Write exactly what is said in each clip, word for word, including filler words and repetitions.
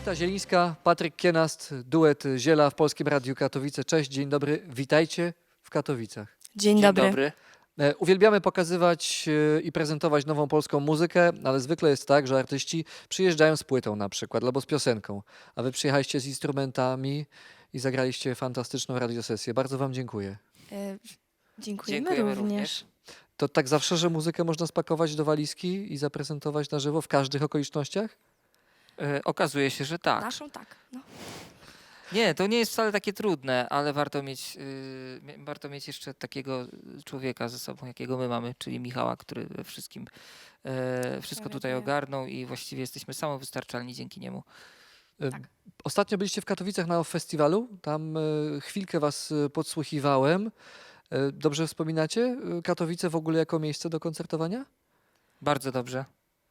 Jolita Zielińska, Patryk Kienast, duet Ziela w Polskim Radiu Katowice. Cześć, dzień dobry, witajcie w Katowicach. Dzień, Dzień dobry. dobry. E, Uwielbiamy pokazywać e, i prezentować nową polską muzykę, ale zwykle jest tak, że artyści przyjeżdżają z płytą na przykład albo z piosenką, a wy przyjechaliście z instrumentami i zagraliście fantastyczną radiosesję. Bardzo wam dziękuję. E, dziękujemy, Dziękujemy również. również. To tak zawsze, że muzykę można spakować do walizki i zaprezentować na żywo w każdych okolicznościach? E, okazuje się, że tak. Naszą tak. No. Nie, to nie jest wcale takie trudne, ale warto mieć, y, mie- warto mieć jeszcze takiego człowieka ze sobą, jakiego my mamy, czyli Michała, który we wszystkim e, wszystko tutaj Reaguje. ogarnął i właściwie jesteśmy samowystarczalni dzięki niemu. E, Tak. Ostatnio byliście w Katowicach na festiwalu, tam e, chwilkę was e, podsłuchiwałem. E, Dobrze wspominacie e, Katowice w ogóle jako miejsce do koncertowania? Bardzo dobrze.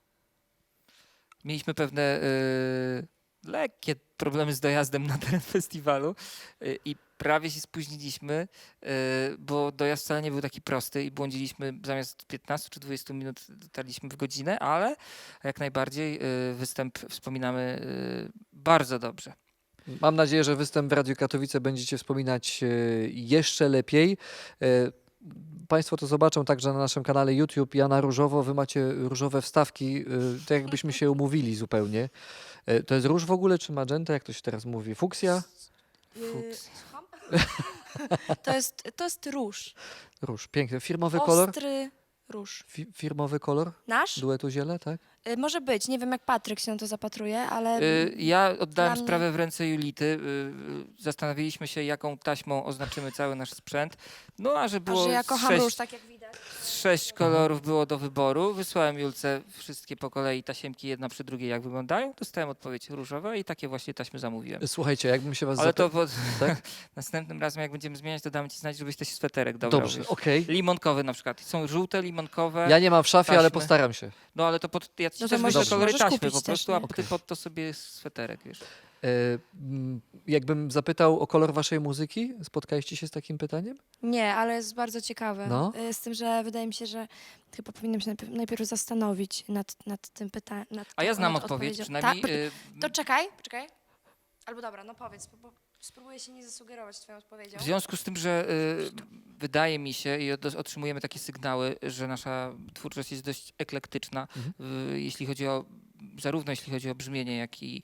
Mieliśmy pewne y, lekkie problemy z dojazdem na teren festiwalu y, i prawie się spóźniliśmy, y, bo dojazd wcale nie był taki prosty i błądziliśmy zamiast piętnastu czy dwudziestu minut dotarliśmy w godzinę, ale jak najbardziej y, występ wspominamy y, bardzo dobrze. Mam nadzieję, że występ w Radiu Katowice będziecie wspominać e, jeszcze lepiej. E, Państwo to zobaczą także na naszym kanale YouTube. Ja na różowo, wy macie różowe wstawki, e, tak jakbyśmy się umówili zupełnie. E, To jest róż w ogóle, czy magenta, jak to się teraz mówi? Fuksja? Fuks. Y, słucham? to, jest, to jest róż. Róż, piękny. Firmowy kolor? Ostry róż. Fi firmowy kolor Nasz? duetu Ziele, tak? Y, może być. Nie wiem, jak Patryk się na to zapatruje, ale Y, Ja oddałem Dla mnie- sprawę w ręce Julity. y, y, Zastanowiliśmy się, jaką taśmą oznaczymy cały nasz sprzęt. No a że a było że ja kocham sześć róż, tak jak widać. Sześć kolorów było do wyboru. Wysłałem Julce wszystkie po kolei tasiemki, jedna przy drugiej, jak wyglądają. Dostałem odpowiedź różowa i takie właśnie taśmy zamówiłem. Słuchajcie, jakbym się was Ale to zapytał... pod... tak? następnym razem, jak będziemy zmieniać, to damy ci znać, żebyś też sweterek dobrał. Dobrze, wiesz. okej. Limonkowy na przykład. Są żółte, limonkowe. Ja nie mam w szafie, ale taśmy. postaram się. No ale to pod... ja ci No to też możesz- wyślę kolory możesz taśmy kupić po też, prostu, a nie? ty pod to sobie sweterek, wiesz. E, m, jakbym zapytał o kolor waszej muzyki, spotkaliście się z takim pytaniem? Nie, ale jest bardzo ciekawe. No. Y, Z tym, że wydaje mi się, że chyba powinienem się najpierw, najpierw zastanowić nad, nad tym pytaniem. A ja znam nad odpowiedź, odpowiedzią. przynajmniej... Tak? y, To czekaj, czekaj. Albo dobra, no powiedz, bo, bo spróbuję się nie zasugerować twoją odpowiedzią. W związku z tym, że y, wydaje mi się i od, otrzymujemy takie sygnały, że nasza twórczość jest dość eklektyczna, y, jeśli chodzi o, zarówno jeśli chodzi o brzmienie, jak i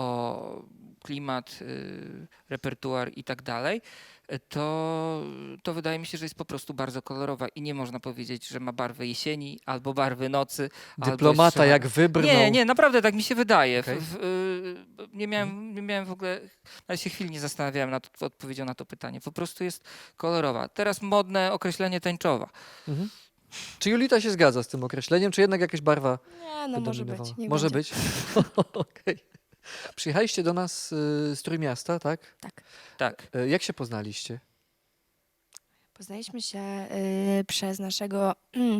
o klimat, y, repertuar i tak dalej, y, to, to wydaje mi się, że jest po prostu bardzo kolorowa i nie można powiedzieć, że ma barwy jesieni albo barwy nocy. albo Dyplomata jest szara. jak wybrnął. Nie, nie, naprawdę tak mi się wydaje. W- Okej. W, y, nie, miałem, nie miałem w ogóle, nawet się chwilę nie zastanawiałem nad odpowiedzią na to pytanie. Po prostu jest kolorowa. Teraz modne określenie tęczowa. Mhm. Czy Julita się zgadza z tym określeniem, czy jednak jakaś barwa Nie, no może być. dominowała? niech Może będzie. być. Okej. Przyjechaliście do nas y, z Trójmiasta, tak? Tak. Tak. Y, jak się poznaliście? Poznaliśmy się y, przez naszego, ym,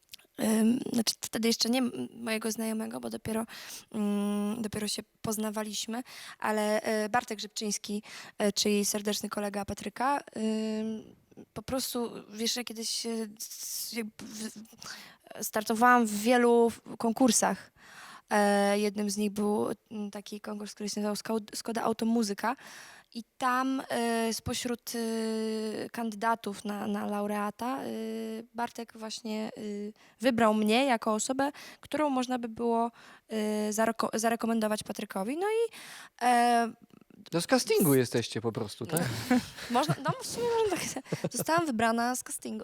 znaczy wtedy jeszcze nie m- mojego znajomego, bo dopiero, ym, dopiero się poznawaliśmy, ale y, Bartek Grzybczyński, y, czyli serdeczny kolega Patryka, ym, po prostu, wiesz, ja kiedyś y, s- jakby w- startowałam w wielu konkursach. E, jednym z nich był mm, taki konkurs, który się nazywał Skau- Skoda Automuzyka. I tam e, spośród e, kandydatów na, na laureata e, Bartek właśnie e, wybrał mnie jako osobę, którą można by było e, zareko- zarekomendować Patrykowi. No i e, No z castingu jesteście po prostu, tak? można, no w sumie można tak, zostałam wybrana z castingu.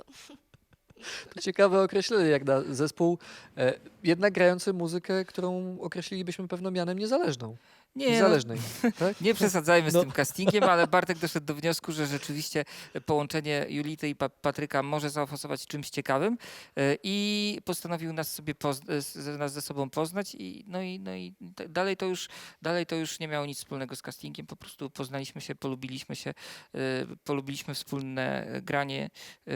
To ciekawe określenie, jak na zespół e, jednak grający muzykę, którą określilibyśmy pewno mianem niezależną. Nie, no, Niezależnej, tak? nie przesadzajmy z No. tym castingiem, ale Bartek doszedł do wniosku, że rzeczywiście połączenie Julity i pa Patryka może zaowocować czymś ciekawym y, i postanowił nas sobie poz- z- nas ze sobą poznać i no i, no i d- dalej to już dalej to już nie miało nic wspólnego z castingiem, po prostu poznaliśmy się, polubiliśmy się, y, polubiliśmy wspólne granie,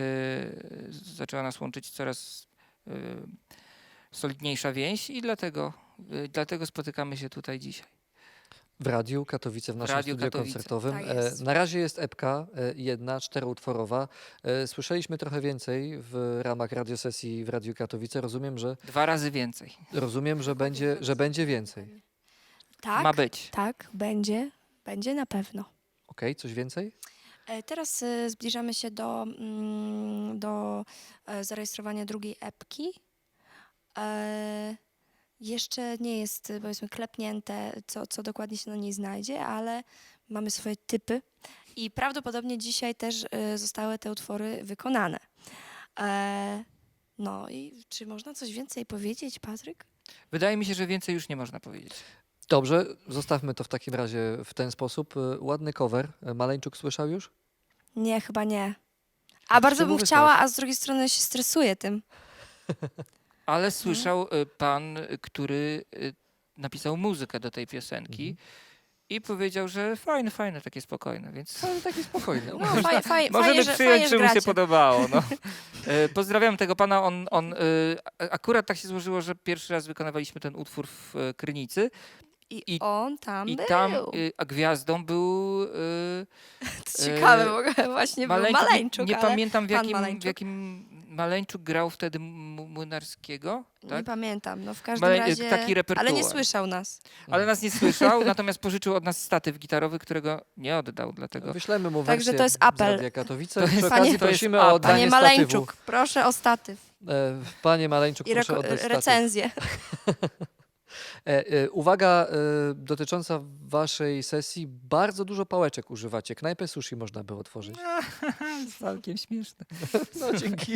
y, zaczęła nas łączyć coraz y, solidniejsza więź i dlatego, y, dlatego spotykamy się tutaj dzisiaj. W Radiu Katowice, w naszym Radiu studiu Katowice. koncertowym. Tak E, jest. Na razie jest epka e, jedna, czteroutworowa. E, Słyszeliśmy trochę więcej w ramach radiosesji w Radiu Katowice. Rozumiem, że, Dwa razy więcej. rozumiem, że, będzie, że będzie więcej. Tak, ma być. tak, będzie, będzie na pewno. Okej, coś więcej? E, Teraz e, zbliżamy się do, mm, do e, zarejestrowania drugiej epki. E, Jeszcze nie jest, e, powiedzmy, klepnięte, co, co dokładnie się na niej znajdzie, ale mamy swoje typy i prawdopodobnie dzisiaj też e, zostały te utwory wykonane. E, No i czy można coś więcej powiedzieć, Patryk? Wydaje mi się, że więcej już nie można powiedzieć. Dobrze, zostawmy to w takim razie w ten sposób. E, Ładny cover. E, Maleńczuk słyszał już? Nie, chyba nie. A A bardzo czemu bym wysłać? chciała, a z drugiej strony się stresuję tym. Ale słyszał y, pan, y, który y, napisał muzykę do tej piosenki Mhm. i powiedział, że fajne, fajne, takie spokojne, więc Ale taki spokojny. No, faj, faj, możemy fajnie, że, przyjąć, fajnie, że że mu się gracie. podobało. No. E, Pozdrawiam tego pana. On, on, y, a- akurat tak się złożyło, że pierwszy raz wykonywaliśmy ten utwór w e, Krynicy I, I- on tam i był. tam y, a gwiazdą był y, To ciekawe, bo właśnie Maleńczuk. był Maleńczuk, Nie, nie ale pamiętam w pan jakim, w Maleńczuk. jakim Maleńczuk grał wtedy M- Młynarskiego, nie tak? pamiętam. No w każdym Male- razie, taki repertuar. ale nie słyszał nas. Ale nas nie słyszał, natomiast pożyczył od nas statyw gitarowy, którego nie oddał, dlatego Wyślemy mu Także wersję to jest z apel. Radia Katowice. To Przy jest- okazji Panie- prosimy to jest o apel. oddanie Panie statywu. Maleńczuk, proszę o statyw E, Panie Maleńczuk, i proszę reko- oddać statyw. recenzję. E, e, uwaga e, dotycząca waszej sesji. Bardzo dużo pałeczek używacie. Knajpę sushi można by otworzyć. całkiem śmieszne. No dzięki.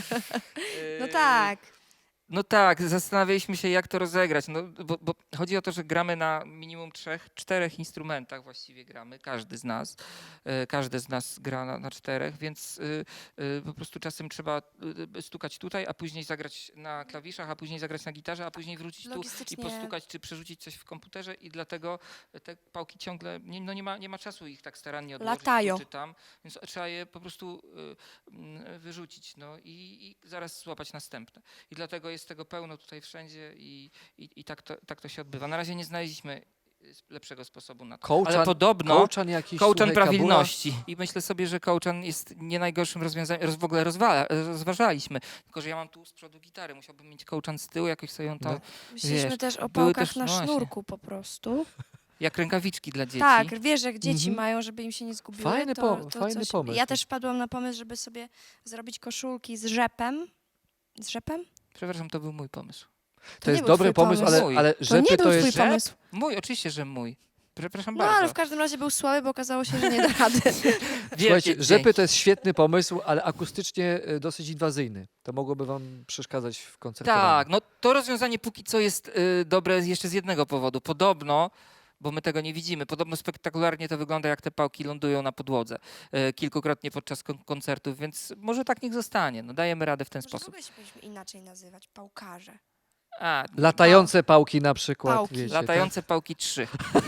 No tak. No tak, zastanawialiśmy się, jak to rozegrać. No, bo, bo chodzi o to, że gramy na minimum trzech, czterech instrumentach właściwie gramy, każdy z nas. E, każdy z nas gra na, na czterech, więc y, y, po prostu czasem trzeba y, stukać tutaj, a później zagrać na klawiszach, a później zagrać na gitarze, a później wrócić tu i Logistycznie. postukać, czy przerzucić coś w komputerze i dlatego te pałki ciągle, nie, no nie ma, nie ma czasu ich tak starannie odłożyć Latają. tu czy tam, więc trzeba je po prostu y, mm, wyrzucić, no i, i zaraz złapać następne. I dlatego jest tego pełno tutaj wszędzie i, i, i tak, to, tak to się odbywa. Na razie nie znaleźliśmy y, lepszego sposobu na to. Kołczan, Ale podobno kołczan jakiś, kołczan słuchaj, kabula. prawilności. I myślę sobie, że kołczan jest nie najgorszym rozwiązaniem. Roz, w ogóle rozwala, rozważaliśmy. Tylko, że ja mam tu z przodu gitary. Musiałbym mieć kołczan z tyłu, jakoś sobie ją tam, No. Myśleliśmy Wiesz, też o były pałkach też- na no właśnie. sznurku po prostu. jak rękawiczki dla dzieci. Tak, wiesz, jak dzieci Mhm. mają, żeby im się nie zgubiły. Fajny to, pom- to fajny coś... pomysł. Ja też wpadłam na pomysł, żeby sobie zrobić koszulki z rzepem. Z rzepem? Przepraszam, to był mój pomysł. To jest nie był dobry twój pomysł, pomysł. ale, ale To rzepy nie był to twój jest... Rzep? pomysł. Mój, oczywiście, że mój. Przepraszam No bardzo. ale w każdym razie był słaby, bo okazało się, że nie da rady. Słuchajcie, Wielkie rzepy dzięki. to jest świetny pomysł, ale akustycznie e, dosyć inwazyjny. To mogłoby wam przeszkadzać w koncertowaniu. Tak, no to rozwiązanie póki co jest y, dobre jeszcze z jednego powodu. Podobno, bo my tego nie widzimy, podobno spektakularnie to wygląda, jak te pałki lądują na podłodze y, kilkukrotnie podczas kon- koncertów, więc może tak niech zostanie. No dajemy radę w ten Może w sposób. ogóle się powinniśmy inaczej nazywać. Pałkarze. A, Latające pałki na przykład. Pałki. Wiecie, latające pałki trzy.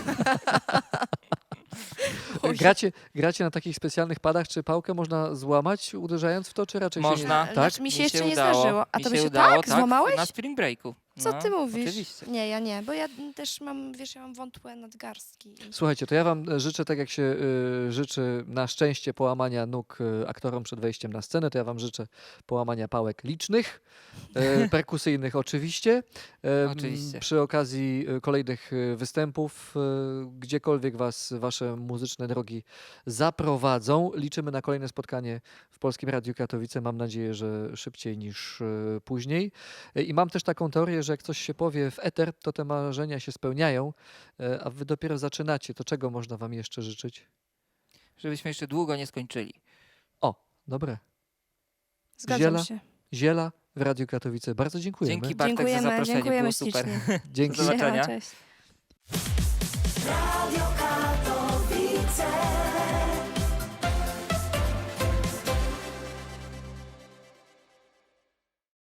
tak? gracie, gracie na takich specjalnych padach, czy pałkę można złamać uderzając w to, czy raczej się Można. nie... Tak? Znaczy, mi się jeszcze nie udało. zdarzyło. A Mi to by się udało, tak złamałeś? Na spring breaku. Co No, ty mówisz? Oczywiście. Nie, ja nie, bo ja też mam, wiesz, ja mam wątłe nadgarstki. Słuchajcie, to ja wam życzę, tak jak się y, życzy na szczęście połamania nóg y, aktorom przed wejściem na scenę, to ja wam życzę połamania pałek licznych, y, perkusyjnych oczywiście. Y, Oczywiście. Przy okazji y, kolejnych y, występów, y, gdziekolwiek was wasze muzyczne drogi zaprowadzą. Liczymy na kolejne spotkanie w Polskim Radiu Katowice. Mam nadzieję, że szybciej niż y, później. Y, I mam też taką teorię, że jak coś się powie w eter, to te marzenia się spełniają, y, a wy dopiero zaczynacie. To czego można wam jeszcze życzyć? Żebyśmy jeszcze długo nie skończyli. O, dobre. Zgadzam Ziela. się. Ziela w Radiu Katowice. Bardzo dziękujemy. Bartek, za Dziękujemy, zaproszenie, dziękujemy było super. ślicznie. Dzięki. Do zobaczenia. Cześć. Radio